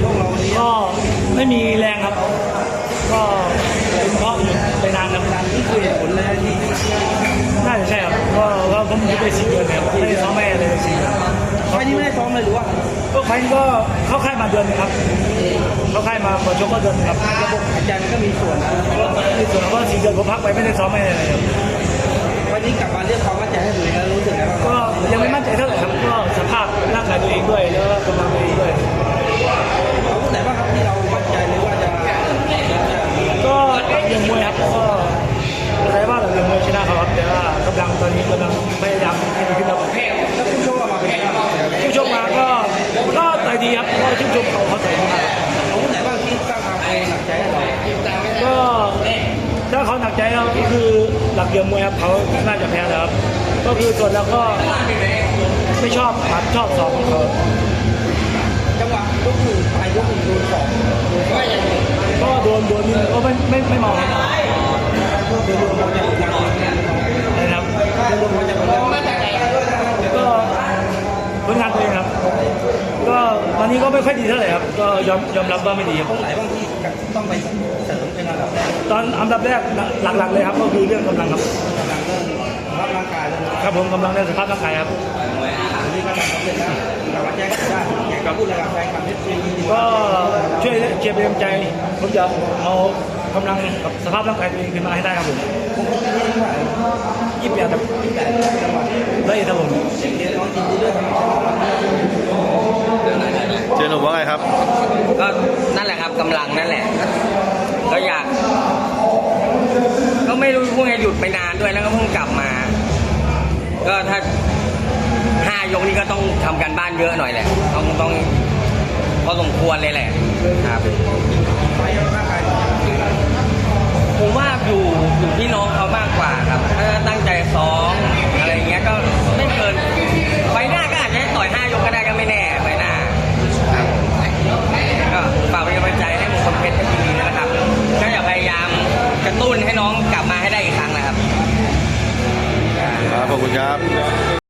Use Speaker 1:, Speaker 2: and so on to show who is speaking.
Speaker 1: พวกเราวันนี้
Speaker 2: ก็ไม่มีแรงครับก็เป็นเพราะหยุดไปนานครับ
Speaker 1: นี่คือเหตุผลเลยที่
Speaker 2: น่าจะใช่ครับก็ผมหยุดไป4 เดือนครับไม่ได้ซ้อมแม่เลย4 เดือน
Speaker 1: ไฟนี้ไม่ได้ซ้อมเลยหรือว่า
Speaker 2: ก็ไฟล์ก็เข้าค่ายมาเดือนนึงครับเข้าค่ายมาเปิดชกก็เดือนนึงครับ
Speaker 1: ระบบหายใจมันก็มีส่วนนะ
Speaker 2: ก็ในส่วนของว่า4 เดือนผมพักไปไม่ได้ซ้อมแม่เลยครับ
Speaker 1: วันนี้กลับมาเรียกความมั่นใจให้ตัวเองแล้วรู้สึกไงบ้าง
Speaker 2: ก็ยังไม่มั่นใจเท่าไหร่ครับก็สภาพร่างกายตัวเองด้วยแล้วก็กำลังตัวเองด้วย
Speaker 1: เอาผู้ไหนบ้างครับที่เรามั่นใจหรือว่าจะ
Speaker 2: ก็หลักเรียนมวยครับก็อะไรว่าหลักเรียนมวยชนะเขาครับแต่ว่ากำลังตอนนี้กำลังพยายามให้ดีขึ้นครับ
Speaker 1: แล้วผู้ชกออกมาเป็นไงบ้าง
Speaker 2: ผู้ชมมาก็ต่อยดีครับก็ชื่นชมเขาต่อยดีมาก
Speaker 1: เอาผู้ไหนบ้างที่สร้างความหนักใจให้เรา
Speaker 2: ก็ถ้าเขาหนักใจเราก็คือหลักเรียนมวยครับเขาน่าจะแพ้แล้วครับก็คือส่วนเราก็ไม่ชอบหมัดชอบศอกของเขา
Speaker 1: จังหวะยกหนึ่งไปยกหนึ่งโดนสอง
Speaker 2: ก็โดนนี่ก็ไม่เมาครับ
Speaker 1: โดนมาจากผลงาน
Speaker 2: นะครับ
Speaker 1: โดนมาจากผลงาน
Speaker 2: ก็ผลงานตัวเองครับ ก็วันนี้ก็ไม่ค่อยดีเท่าไหร่ครับก็ยอมรับว่าไม่ดีครับ
Speaker 1: ตรงไหนบ้างที่ต้องไปเสริมเป็นระดับแรก
Speaker 2: ตอนอันดับแรกหลักๆเลยครับก็คือเรื่องกำลังครับ
Speaker 1: กำลังเรื่องรับร่างกายแล้วนะครับ
Speaker 2: ผมกำลังในสภาพร่างกายครับ
Speaker 1: อันนี้ก็ทำสำเร็จแล้วเรามาแจ้งได้อยากจะพูดอะไรกับแฟนคลับที่ซีดี
Speaker 2: ก็ช่วยเชียร์เป็นกำลังใจผมจะเอากำลังกับสภาพร่างกายตัวเองขึ้นมาให้ได้ครับผม
Speaker 1: ผมก็ไม่ได้ว่า
Speaker 2: 28ครับ
Speaker 1: แต่จังหวะ
Speaker 2: ได้ครับผม
Speaker 1: เรียนน้องยินดีด้วยครับ
Speaker 3: เจนหนุ่มว่าไงครับ
Speaker 4: ก็นั่นแหละครับกำลังนั่นแหละ ก็อยาก ก็ไม่รู้พวกนี้หยุดไปนานด้วยแล้วก็เพิ่งกลับมา ก็ถ้า5 ยกนี้ก็ต้องทำการบ้านเยอะหน่อยแหละต้องพอสมควรเลยแหละครับ
Speaker 1: ไฟร่างกาย
Speaker 4: ผมว่าอยู่ที่น้องเขามากกว่าครับถ้า